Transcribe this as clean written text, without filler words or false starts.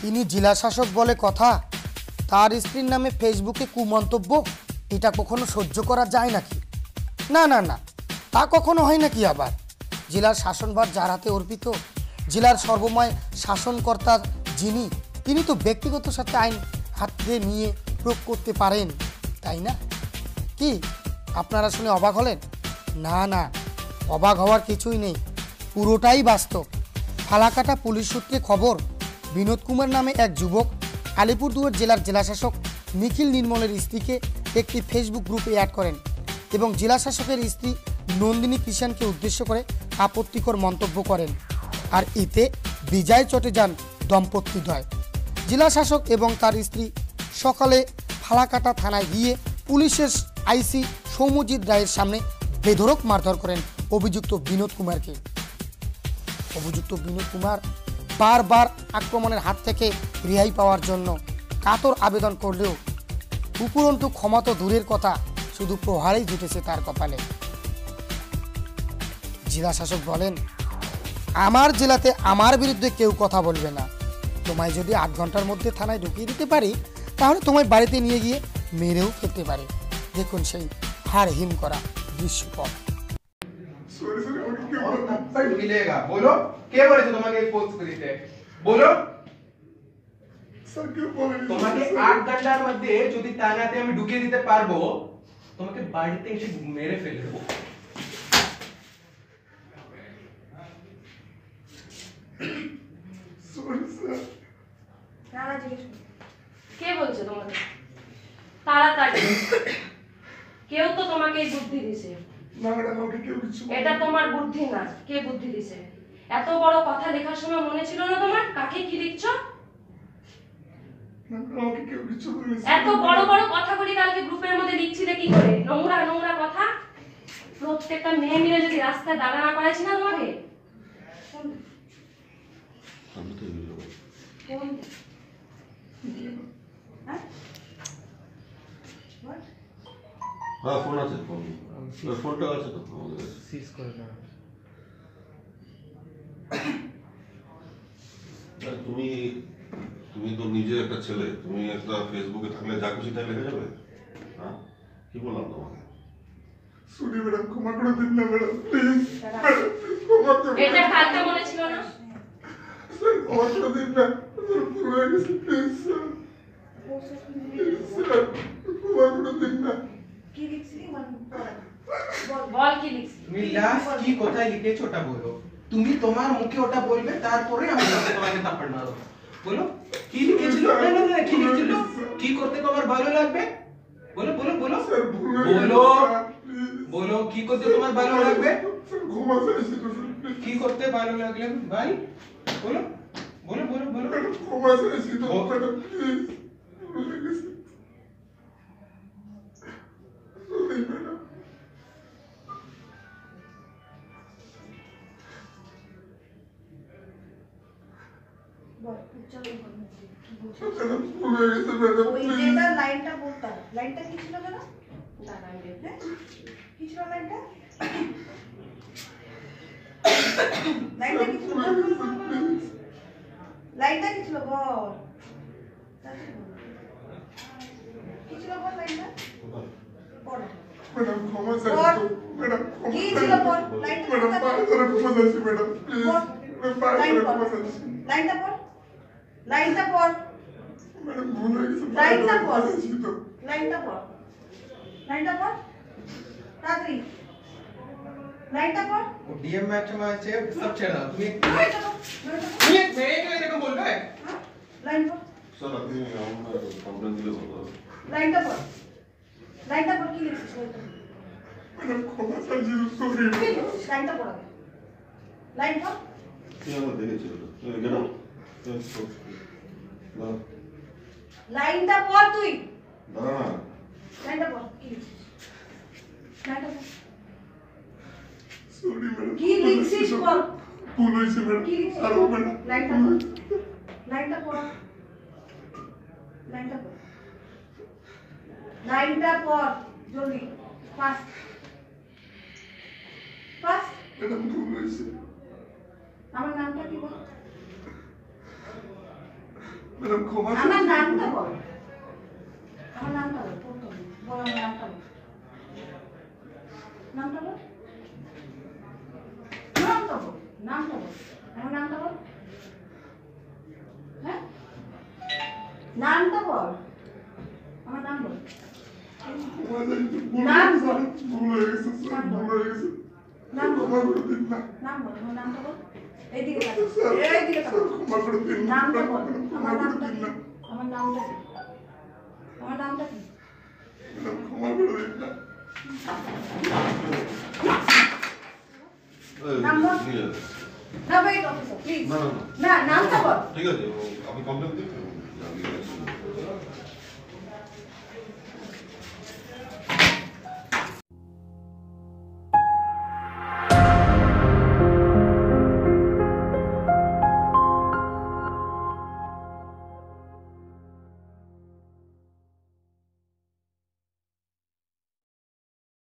তিনি জেলা শাসক বলে কথা, তার স্ত্রীর নামে ফেসবুকে কুমন্তব্য, এটা কখনো সহ্য করা যায় নাকি? না না না, তা কখনো হয় নাকি? আবার জেলার শাসনভার যার হাতে অর্পিত, জেলার সর্বময় শাসনকর্তা যিনি, তিনি তো ব্যক্তিগত সাথে আইন হাতে নিয়ে প্রয়োগ করতে পারেন, তাই না? কি আপনারা শুনে অবাক হলেন? না না, অবাক হওয়ার কিছুই নেই, পুরোটাই বাস্তব। ফালাকাটা পুলিশ সূত্রে খবর, বিনোদ কুমার নামে এক যুবক আলিপুরদুয়ার জেলার জেলাশাসক নিখিল নির্মলের স্ত্রীকে একটি ফেসবুক গ্রুপে অ্যাড করেন এবং জেলাশাসকের স্ত্রী নন্দিনী কিষানকে উদ্দেশ্য করে আপত্তিকর মন্তব্য করেন। আর এতে বিজয় চটে যান দম্পতিদ্বয়। জেলাশাসক এবং তার স্ত্রী সকালে ফালাকাটা থানায় গিয়ে পুলিশের আইসি সৌম্যজিৎ রায়ের সামনে বেধড়ক মারধর করেন অভিযুক্ত বিনোদ কুমারকে। অভিযুক্ত বিনোদ কুমার বারবার আক্রমণের হাত থেকে রেহাই পাওয়ার জন্য কাতর আবেদন করলেও উপরন্তু ক্ষমা তো দূরের কথা, শুধু প্রহারেই জুটেছে তার কপালে। জেলা শাসক বলেন, আমার জেলাতে আমার বিরুদ্ধে কেউ কথা বলবে না। তোমায় যদি 8 ঘন্টার মধ্যে থানায় ঢুকিয়ে দিতে পারি, তাহলে তোমায় বাড়িতে নিয়ে গিয়ে মেরেও ফেলতে পারে। দেখুন সেই হার হিম করা দৃশ্যপট। मिलेगा बोलो কে বলেছে তোমাকে পোস্ট করিতে? বলো স্যার কে বলে? তোমাকে 8 ঘন্টার মধ্যে যদি থানাতে আমি ঢুকিয়ে দিতে পারবো, তোমাকে বাড়িতে এসে মেরে ফেলে দেবো। Sorry sir. নানা জিজ্ঞেস করো, কে বলছে তোমাকে? তাড়াতাড়ি, কেউ তো তোমাকে এই বুদ্ধি দিছে। না ম্যাডাম, আমাকে কেউ কিছু বলেনি। এটা তোমার বুদ্ধি না, কে বুদ্ধি দিছে? এত বড় কথা লেখার সময় মনে ছিল না তোমার কাকে কি লিখছো? না ম্যাডাম, আমাকে কেউ কিছু বলেনি। এত বড় বড় কথাগুলি কালকে গ্রুপের মধ্যে লিখছিলে কি করে? নোংরা নোংরা কথা। প্রত্যেকটা মেয়ে মিলে যদি রাস্তায় দাঁড়া না করাইছি না তোমাকে? হ্যাঁ, ফোন আছে, ফোনটা আছে তো আমাদের কাছে। সিজ করে না। তুমি তুমি তো নিজে একটা ছেলে, তুমি একটা ফেসবুকে থাকলে যা খুশি তাই লেখা যাবে? হ্যাঁ, কি বললাম তোমাকে? সরি ম্যাডাম, ক্ষমা করে দিন না ম্যাডাম, প্লিজ ম্যাডাম, ক্ষমা করে দিন। এটা কালকে মনে ছিল না? স্যার ক্ষমা করে দিন না, স্যার ভুল হয়ে গেছে, প্লিজ স্যার, স্যার ক্ষমা করে দিন না। কি লিখছিলি বল, কি লিখছিলি? তুমি লাস্ট কি কোথায় লিখেছো ওটা বলো। তুমি তোমার মুখে ওটা বলবে, তারপরে আমি তোমাকে থাপ্পড় মারব। বলো কি লিখেছিল? না না না, কি লিখেছিল? কি করতে তোমার ভালো লাগবে? বলো বলো বলো স্যার ভুল হয়ে গেছে, বলো স্যার, প্লিজ। বলো কি করতে তোমার ভালো লাগবে? স্যার ক্ষমা চাইছি তো, স্যার, প্লিজ। কি করতে ভালো লাগলে ভাই? বলো বলো বলো বলো। ম্যাডাম ক্ষমা চাইছি তো ম্যাডাম, প্লিজ, ভুল হয়ে গেছে। Sorry madam. ম্যাডাম ভুল হয়ে গেছে ম্যাডাম, ওই প্লিজ। যেটা লাইনটা বলতাম, লাইনটা কি ছিল ম্যাডাম? হ্যাঁ? কি ছিল লাইনটা? লাইনটা কি ছিল? লাইনটা কি ছিল বল? কি ছিল বল লাইনটা? বল। ম্যাডাম ক্ষমা চাইছি তো, ম্যাডাম ক্ষমা কি চাইছি। ছিল বল? লাইনটা ম্যাডাম পায়ে ধরে ক্ষমা চাইছি ম্যাডাম, প্লিজ। বল। ম্যাডাম পায়ে লাইন ধরে পড়। ক্ষমা চাইছি। লাইনটা পড়। লাইনটা পড়। ম্যাডাম ভুল হয়ে গেছে, পায়ে লাইনটা ধরে ক্ষমা পড়। চাইছি তো। লাইনটা পড়। লাইনটা পড়। তাড়াতাড়ি। লাইনটা পড়। वो डीएम मैच में আছে सब ছেড়ে তুমি লাইনটা পড়। তুমি এক মেয়েকে এরকম বলবে? লাইন পড়। স্যার, আপনি আমার কমপ্লেন দিলে ভালো হবে। লাইনটা পড়। লাইনটা পড়, কি লিখছিস লাইনটা? ম্যাডাম ক্ষমা চাইছি তো, সরি কি ম্যাডাম। লিখছিস? লাইনটা পড় আগে। লাইন পড়। তুই আমার দেখেছিল তো, কেন? লাইনটা পড় তুই। দাঁড়া না। লাইনটা পড়, কি লিখছিস? লাইনটা পড়। Sorry madam. কি লিখছিস বল? ভুল হয়েছে ম্যাডাম। কি লিখছিস? আরো ম্যাডাম। লাইনটা পড়। লাইনটা পড়। লাইনটা পড়। লাইনটা পড় জলদি, ফাস্ট ফাস্ট। ম্যাডাম ভুল হয়েছে। আমার নামটা কি বল? ম্যাডাম ক্ষমা করে আমার দিন। নামটা বল। আমার নামটা বল, প্রথম। বল আমার নামটা বল। নামটা বল। নামটা বল। নামটা বল। আমার নামটা বল। হ্যাঁ? নামটা বল। আমার নাম বল। ক্ষমা চাইছি, ভুল নাম হয়ে বল। গেছে, ভুল হয়ে গেছে স্যার, ভুল হয়ে গেছে। নাম বল। ক্ষমা করে দিন না। নাম বল। আমার নামটা বল। এইদিকে তাকাও। স্যার, এইদিকে তাকাও। স্যার, ক্ষমা করে দিন না। নামটা বল। ক্ষমা আমার করে নামটা দিন কি? না। আমার নামটা কি? আমার নামটা কি? ম্যাডাম ক্ষমা করে দিন না। নাম বল। নিয়ে যাবে। না wait officer please না, না, না নামটা বল ঠিক আছে, আমি কমপ্লেন দিই।